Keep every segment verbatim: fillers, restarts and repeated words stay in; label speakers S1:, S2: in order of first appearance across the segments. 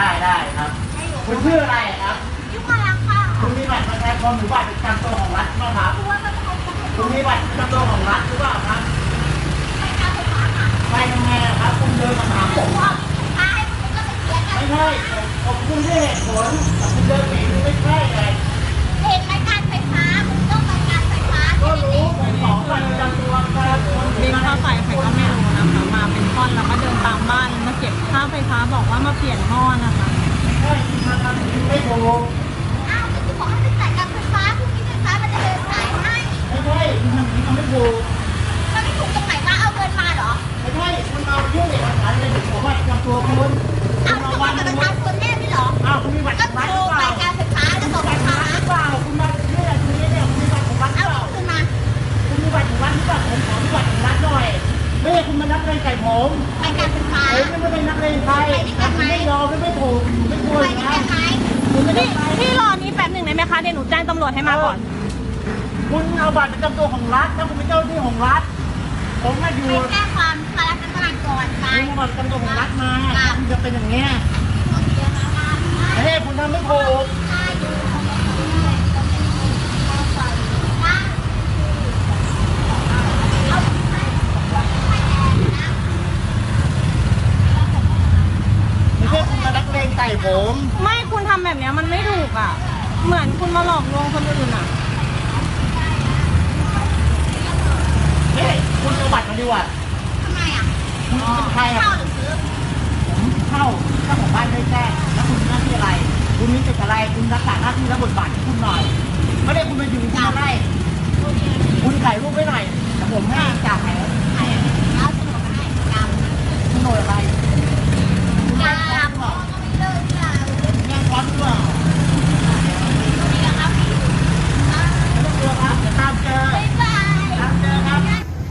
S1: ได้ได้ครับคุณชื่ออะไรครับ
S2: ยุพลังค่ะ
S1: คุณมีบัตรประชาชนหรือบัตรประจำตัวของรัฐไหมครับคุณมีบัตรประจำตัวของรัฐหรือเปล่าครับ
S2: ไม่การไฟฟ้าค่ะ
S1: ไปทำไงครับคุณเดินมาถามผม
S2: ว่าไฟฟ้าให้คุณก็ไปเสียกัน
S1: ไม่ใช่ผมคุณไม่เหตุผลคุณเดินหนีไม่ใช่ไง
S2: เหตุไม่การไฟฟ้าคุณต้องไปการไฟฟ้า
S1: ก็รู้ผมขอบัตรประจำตัวประชาชน
S3: บินค่าไฟใครก็ไม่รู้นะคะมาเป็นท่อนแล้วก็เดินตามบ้านมาเก็บค่าไฟฟ้าบอกว่ามาเปลี่ยนท่อนะคะ
S1: ใช่คุณมาทำไม่ถูก
S2: อ้าวคุณบอกให้ไปจ่ายการไฟฟ้าคุณมีไฟฟ้ามันจะเดินสายให้
S1: ไม่ใช่คุณทำนี้ทำไม่ถูก
S2: มันไม่ถูกตรงไหนว่าเอาเงินมาเหรอ
S1: ไม่ใช่คุณเอายื่นเอกสารเลยผมว่าจำตัวคุณ
S2: เอาตัวบัตรประชาชนแน่ไม่เหรอ
S1: อ้าวคุณมีบัตร
S2: ก็โทรไปการไฟฟ้าแล้วบอกไฟฟ้า
S1: เปล่าคุณมาเนี่ยคุณเนี่ยเนี่ยคุณมีบัตรของรัฐเปล่า
S2: คุณมา
S1: คุณมีบัตรของรัฐหรือเปล่าผมขอมีบัตรของรัฐหน่อยไม่ใช่คุณมานักเลงไก่ผม
S2: ไปการไฟฟ้า
S1: เฮ้ยไม่เป็นนักเลงใครไม่ยอมไม่ไม่ถูกไม่ควรนะ
S3: พี่พี่รอนี้แป๊บหนึ่งได้ไหมคะเดี๋ยวหนูแจ้งตำรวจให้มาก่อน
S1: คุณเอาบัตรประจำตัวของรัฐถ้าคุณเป็นเจ้าหน้าที่ของรัฐผมมาอยู่
S2: ไปแจ้งความคาราชการก่อนไป
S1: คุณเอาบัตรประจำตัวของรัฐมาคุณจะเป็นอย่างเงี้ยเฮ้ยคุณทำไม่ถูกไม่ใช่คุณมานักเลงไก่ผม
S3: ไม่คุณทำแบบนี้มันไม่ถูกอ่ะเหมือนคุณมาหลอกลวงคนอื่นอ่ะ
S1: เฮ้ยคุณเอาบัตรมาดีกว่า
S2: ทำไมอ่ะ
S1: คุณเป็นใครอ่ะ
S2: เข้าหรือซื้อ
S1: ผมเข้าเจ้าของบ้านได้แจ้งแล้วคุณมีหน้าที่อะไรคุณมีสิทธิ์อะไรคุณรักษาหน้าที่และบทบาทของคุณหน่อยไม่ได้คุณมาอยู่คุณมาไล่คุณถ่ายรูปไว้หน่อยแต่ผมให้จ่ายแล้ว
S2: เอาสมุดมาให้จำ
S1: โฉนดอะไร
S2: จำก็ไม่เลิกจ้ะ
S1: แย่งร้อนหรือเปล่า
S2: นี่นะครับพี่
S1: ไม่ต้องกลัวครับเดี๋ยวตามเจอ
S2: บ๊ายบาย
S1: ตามเจอครับ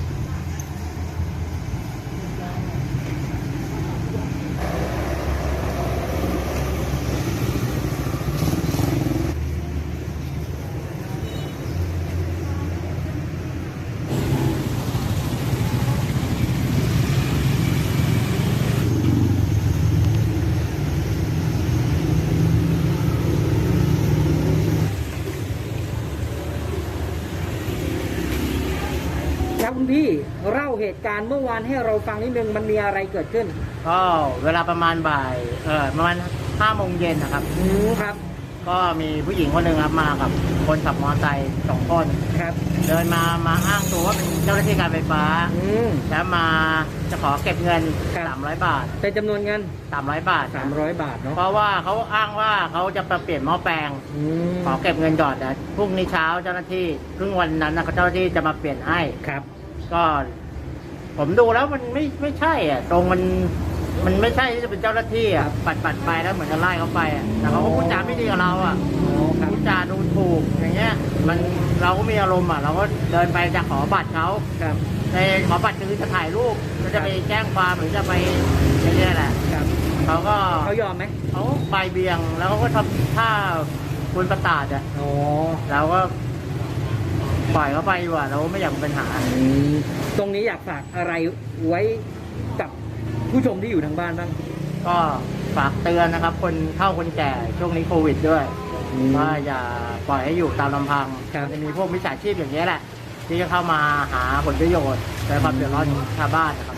S4: ครับคุณพี่เล่าเหตุการณ์เมื่อวานให้เราฟังนิดนึงมันมีอะไรเกิดขึ้น
S1: ก็เวลาประมาณบ่ายเออประมาณห้าโมงเย็นนะครับ
S4: อืมครับ
S1: ก็มีผู้หญิงคนหนึ่งครับมากับคนขับมอเตอร์ไซค์สองคน
S4: ครับ
S1: เดินมามาอ้างตัวว่าเป็นเจ้าหน้าที่การไฟฟ้า
S4: อืม
S1: แล้วมาจะขอเก็บเงินสามร้อยบาท
S4: เป็นจำนวนเงิน
S1: สามร้อยบาท
S4: สามร้อยบาทเนาะ
S1: เพราะว่าเขาอ้างว่าเขาจะไปเปลี่ยนหม้อแปลงขอเก็บเงินก่อนแต่พรุ่งนี้เช้าเจ้าหน้าที่ครึ่งวันนั้นนะเจ้าหน้าที่จะมาเปลี่ยนให้
S4: ครับ
S1: ก็ผมดูแล้วมันไม่ไม่ใช่อ่ะตรงมันมันไม่ใช่ที่จะเป็นเจ้าหน้าที่อ่ะปัดปัดไปแล้วเหมือนจะไล่เขาไปอ่ะแต่เขาก็พูดจาไม่ดีกับเราอ่ะพูดจาดูถูกอย่างเงี้ยมันเราก็มีอารมณ์อ่ะเราก็เดินไปจะขอบัตรเขา
S4: ครับ
S1: ในขอบัตรคือจะถ่ายรูปจะไปแจ้งความหรือจะไปอย่างเงี้ยแหละ
S4: ครับ
S1: เขาก็
S4: เขายอมไหม
S1: เขาไปเบียงแล้วเขาก็ทำท่าคุณประตาดอ่ะ
S4: อ๋อ
S1: เราก็ปล่อยเขาไปดีกว่าเราไม่อยากมีปัญหา
S4: ตรงนี้อยากฝากอะไรไว้กับผู้ชมที่อยู่ทางบ้านบ้าง
S1: ก็ฝากเตือนนะครับคนเฒ่าคนแก่ช่วงนี้โควิดด้วยว่าอย่าปล่อยให้อยู่ตามลำพังจะมีพวกมิจฉาชีพอย่างนี้แหละที่จะเข้ามาหาผลประโยชน์และความเดือดร้อนของชาวบ้านนะครับ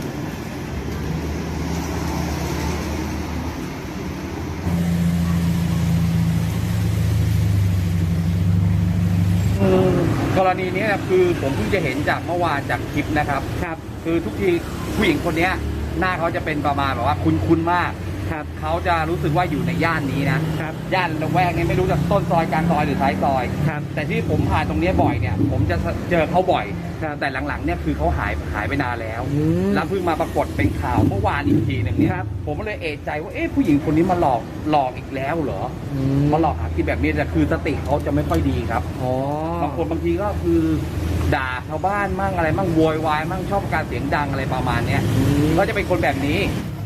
S5: กรณีนี้นะคือผมเพิ่งจะเห็นจากเมื่อวานจากคลิปนะครับ
S4: ครับ
S5: คือทุกทีผู้หญิงคนนี้หน้าเขาจะเป็นประมาณแบบว่าคุ้นๆมาก
S4: ครับ
S5: เขาจะรู้สึกว่าอยู่ในย่านนี้นะครับย่านละแวกนี้ไม่รู้จะต้นซอยกลางซอยหรือท้ายซอย
S4: ครับ
S5: แต่ที่ผมผ่านตรงนี้บ่อยเนี่ยผมจะเจอเขาบ่อย
S4: ครับ
S5: แต่หลังๆเนี่ยคือเขาหายหายไปนานแล้วแล้วเพิ่งมาปรากฏเป็นข่าวเมื่อวานอีกทีหนึ่งเนี่ยผมก็เลยเอะใจว่าเอ๊ะผู้หญิงคนนี้มาหลอกหลอกอีกแล้วเหรอมาหลอกหากินแบบนี้แต่คือสติเขาจะไม่ค่อยดีครับ
S4: อ๋อบ
S5: างคนบางทีก็คือด่าชาวบ้านมั่งอะไรมั่งโวยวายมั่งชอบการเสียงดังอะไรประมาณเนี้ยก็จะเป็นคนแบบนี้